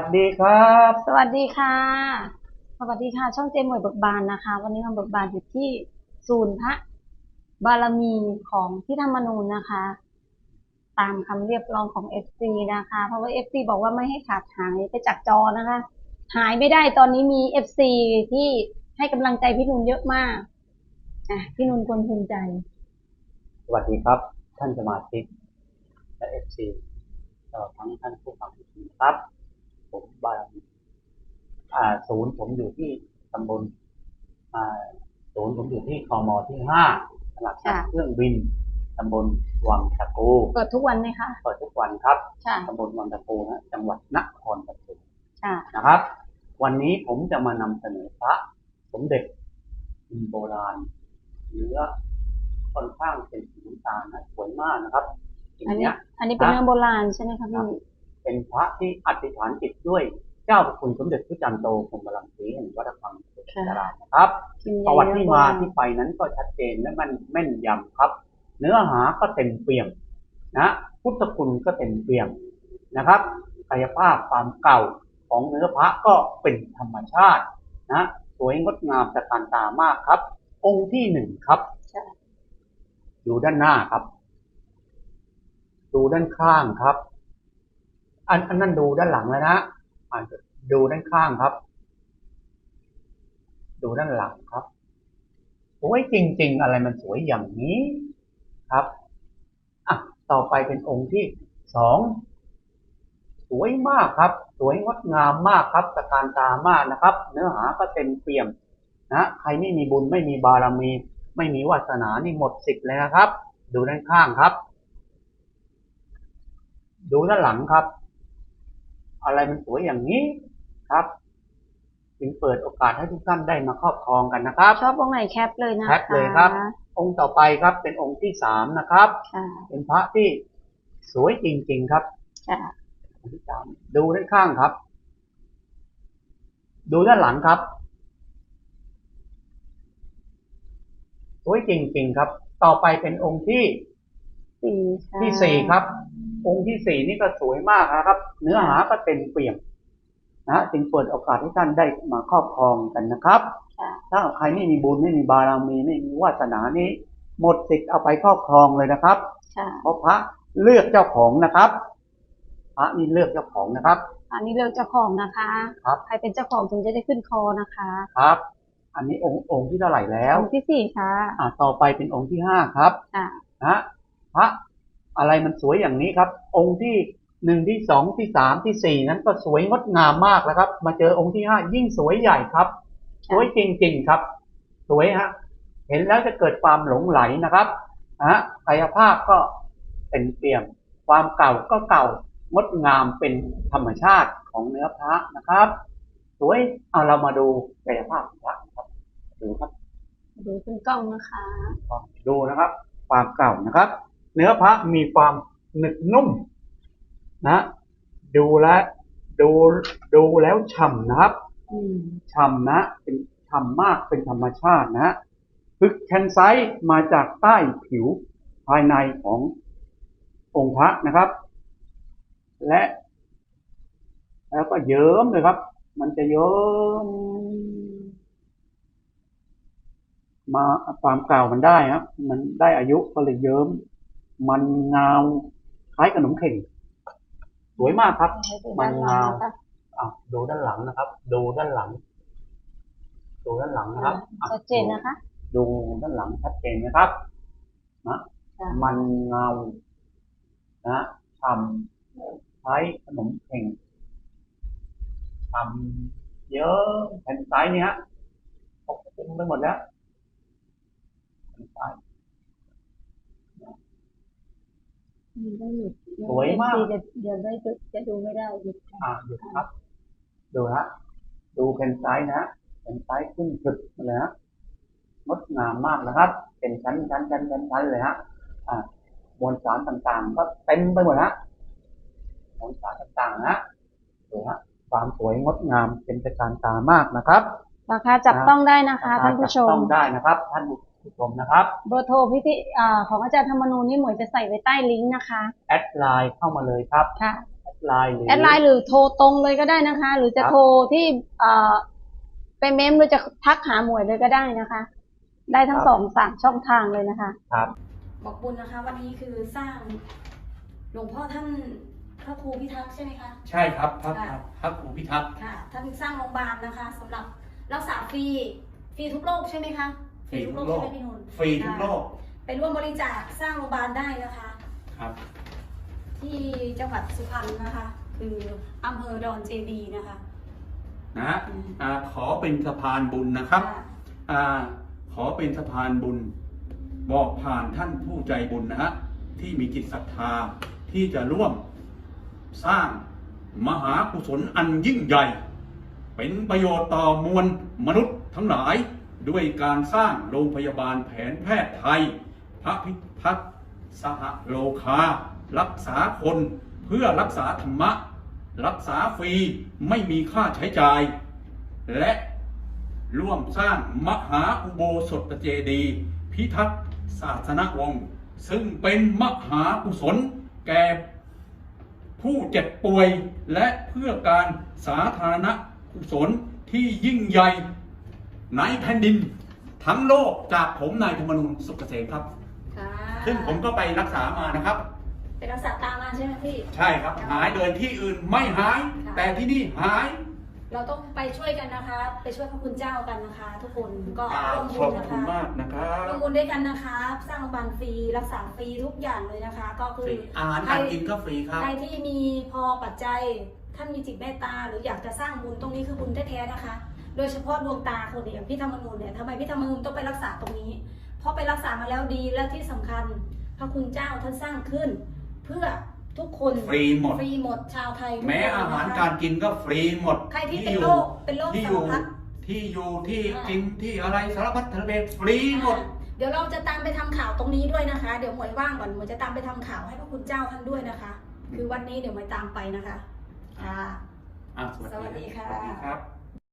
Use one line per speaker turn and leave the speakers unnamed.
ดีครับ
สวัสดีค่ะสวัสดีค่ะช่องเจมหมวยเบิกบานนะคะวันนี้มาเบิกบานอยู่ที่ศูนย์พระบารมีของพี่ธรรมนูญนะคะตามคำเรียกร้องของเอฟซีนะคะเพราะว่าเอฟซีบอกว่าไม่ให้ขาดหายไปจากจอนะคะหายไม่ได้ตอนนี้มีเอฟซีที่ให้กำลังใจพี่นุ่นเยอะมากพี่นุ่นควรภูมิใจ
สวัสดีครับท่านสมาชิกและFC ตลอดทั้งท่านผู้ฟังทุกท่านครับผมบารมีศูนย์ผมอยู่ที่ตำบลอ่าศูนย์ผมอยู่ที่คมที่5ตลาดนัดเครื่องบินตำบลวังตะกู
เปิดทุกวันไหมคะ
เปิดทุกวันครับ
ค่ะ
ตำบลวังตะกูนะจังหวัดนครปฐม
ค่ะ
นะครับวันนี้ผมจะมานำเสนอพระสมเด็จโบราณเนื้อค่อนข้างเป็นสีน้ำตาลนะสวยมากนะครับ
อันนี้เป็นเรื่องโบราณใช่ไหมคะพี่
เป็นพระที่อธิษฐานจิตด้วยเจ้าพระคุณสมเด็จพระจันทร์โตพรหมรังสีแห่งวัดพังพุทธารามนะครับประวัติที่มาที่ไปนั้นก็ชัดเจนและมันแม่นยำครับเนื้อหาก็เต็มเปี่ยมนะพุทธคุณก็เต็มเปี่ยมนะครับกายภาพความเก่าของเนื้อพระก็เป็นธรรมชาตินะสวยงดงามตระการตามากครับองค์ที่1ครับอยู่ด้านหน้าครับดูด้านข้างครับอันนั้นดูด้านหลังแล้วนะดูด้านข้างครับดูด้านหลังครับสวยจริงๆอะไรมันสวยอย่างนี้ครับต่อไปเป็นองค์ที่2สวยมากครับสวยงดงามมากครับตระการตามากนะครับเนื้อหาก็เต็มเปี่ยมนะใครไม่มีบุญไม่มีบารมีไม่มีวาสนานี่หมดสิทธิ์เลยนะครับดูด้านข้างครับดูด้านหลังครับอะไรมันสวยอย่างนี้ครับจึงเปิดโอกาสให้ทุกท่านได้มาครอบครองกันนะครับ
ชอบองค์ไหนแคปเลยนะคะ
แคปเลยครับองค์ต่อไปครับเป็นองค์ที่3นะครับเป็นพระที่สวยจริงๆครับองค์ที่3ดูด้านข้างครับดูด้านหลังครับสวยจริงๆครับต่อไปเป็นองค์ที่4ครับองค์ที่4นี่ก็สวยมากนะครับเนื้อหาก็เต็มเปี่ยมนะจึงเปิดโอกาสให้ท่านได้มาครอบครองกันนะครับถ้าใครไม่มีบุญไม่มีบารมีไม่มีวาสนานี้หมดสิทธิ์เอาไปครอบครองเลยนะครับเพราะพระเลือกเจ้าของนะครับพระนี่เลือกเจ้าของนะครับ
อันนี้เลือกเจ้าของนะคะครับใครเป็นเจ้าของถึงจะได้ขึ้นคอนะคะ
ครับอันนี้องค์ที่เท่าไหร่แล้ว
องค์ที่4ค่ะ
ต่อไปเป็นองค์ที่5ครับนะพระอะไรมันสวยอย่างนี้ครับองค์ที่1ที่2ที่3ที่4นั้นก็สวยงดงามมากแล้วครับมาเจอองค์ที่5ยิ่งสวยใหญ่ครับสวยจริงๆครับสวยฮะเห็นแล้วจะเกิดความหลงไหลนะครับกายภาพก็เป็นเปี่ยมความเก่าก็เก่างดงามเป็นธรรมชาติของเนื้อพระนะครับสวยเรามาดูกายภาพพระครับดูครับ
ดูเป็นกล้องนะคะ
ดูนะครับความเก่านะครับเนื้อพระมีความหนึบนุ่มนะดูแล้วฉ่ำนะครับฉ่ำนะเป็นฉ่ำมากเป็นธรรมชาตินะพึกแคนไซต์มาจากใต้ผิวภายในขององค์พระนะครับแล้วก็เยิ้มเลยครับมันจะเยิ้มมาความเก่ามันได้ครับมันได้อายุก็เลยเยิ้มมันเงาคล้ายขนมเข่งสวยมากครับมันเงาดูด้านหลังนะครับดูด้านหลังนะครับ
ชัดเจนนะคะ
ดูด้านหลังชัดเจนนะครับนะมันเงานะทำใช้ขนมเข่งทำเยอะแผ่นซ้ายนี่ฮะปกคลุมไปหมดแล้วแผ่นซ้ายสวยมาก
เดี๋ยวได้จะดูไม่ได้
หยุดครับดูฮะดูแผ่นซ้ายนะแผ่นซ้ายขึ้นสุดเลยฮะงดงามมากนะครับเป็นชั้นเลยฮะมวลสารต่างๆก็เต็มไปหมดฮะมวลสารต่างๆนะดูฮะความสวยงดงามเป็นตระการตามากนะครับ
ราคาจับต้องได้นะคะท่านผู้ชม
ต้องได้นะครับท่านผู้ชมนะครับ
เบอร์โทรพิธีของอาจารย์ธรรมนูญนี่หมวยจะใส่ไว้ใต้ลิงก์นะคะ
แอดไลน์เข้ามาเลยครับ
ค่ะ
แอดไลน์หรือ
แอดไลน์หรือโทรตรงเลยก็ได้นะคะ หรือจะโทรที่ไปเมมหรือจะทักหาหมวยเลยก็ได้นะคะ ได้ทั้ง3 ช่องทางเลยนะคะ
ครับ
บอกบุญนะคะ วันนี้คือสร้างหลวงพ่อท่านพระครูพิทักษ์ใช่ไหมคะ
ใช่ครับพระครูพิทักษ์
ค่ะท่านสร้างโรงพยาบาลนะคะสำหรับรักษาฟรีทุกโรคใช่ไหมคะ
ฟรีทุกโรค
ใช่ไหมพี่นนท์
ฟรีทุกโรค
ไปร่วมบริจาคสร้างโรงพยาบาลได้นะคะ
ครับ
ที่จังหวัดสุพรรณนะคะ คืออำเภอดอนเจดีย์นะคะ
นะขอเป็นสะพานบุญนะครับขอเป็นสะพานบุญบอกผ่านท่านผู้ใจบุญนะฮะที่มีจิตศรัทธาที่จะร่วมสร้างมหากุศลอันยิ่งใหญ่ เป็นประโยชน์ต่อมวลมนุษย์ทั้งหลายด้วยการสร้างโรงพยาบาลแผนแพทย์ไทยพระพิทักษ์สหโลคารักษาคนเพื่อรักษาธรรมะรักษาฟรีไม่มีค่าใช้จ่ายและร่วมสร้างมหาอุโบสถเจดีย์พิทักษ์ศาสนวงศ์ซึ่งเป็นมหากุศลแก่ผู้เจ็บป่วยและเพื่อการสาธารณกุศลที่ยิ่งใหญ่ในแผ่นดินทั้งโลกจากผมนายธรรมนูญสุขเกษมครับซึ่งผมก็ไปรักษามานะครับ
ไปรักษาตามมาใช่ไหมพี่
ใช่ครับหายเดินที่อื่นไม่หายแต่ที่นี่หาย
เราต้องไปช่วยกันนะคะไปช่วยพระคุณเจ้ากันนะคะ ทุกคนก็ร่วมบุญนะคะ
ขอบคุณมากนะครับ
ร่วมบุญด้วยกันนะคะสร้างโรงพยาบาลฟรีรักษาฟรีทุกอย่างเลยนะคะ ก็คือ
อาหารการกินก็ฟรีครับ
ใครที่มีพอปัจจัยท่านมีจิตเมตตาหรืออยากจะสร้างบุญตรงนี้คือบุญแท้ๆนะคะโดยเฉพาะดวงตาคนอย่างพี่ธรรมนูญเนี่ยทำไมพี่ธรรมนูญต้องไปรักษาตรงนี้เพราะไปรักษามาแล้วดีและที่สำคัญพระคุณเจ้าท่านสร้างขึ้นเพื่อทุกคน
ฟรีหมด
ชาวไทย
แม้อาหารการกินก็ฟรีหมด
ใครที่เป็นโรค
ที่
สารพัด
ที่อยู่ที่กินที่อะไรสารพัดทะเลฟรีหมด
เดี๋ยวเราจะตามไปทำข่าวตรงนี้ด้วยนะคะเดี๋ยวหมวยว่างก่อนหมวยจะตามไปทำข่าวให้พระคุณเจ้าท่านด้วยนะคะคือวันนี้เดี๋ยวหมวยตามไปนะคะ
สวัสดีครับ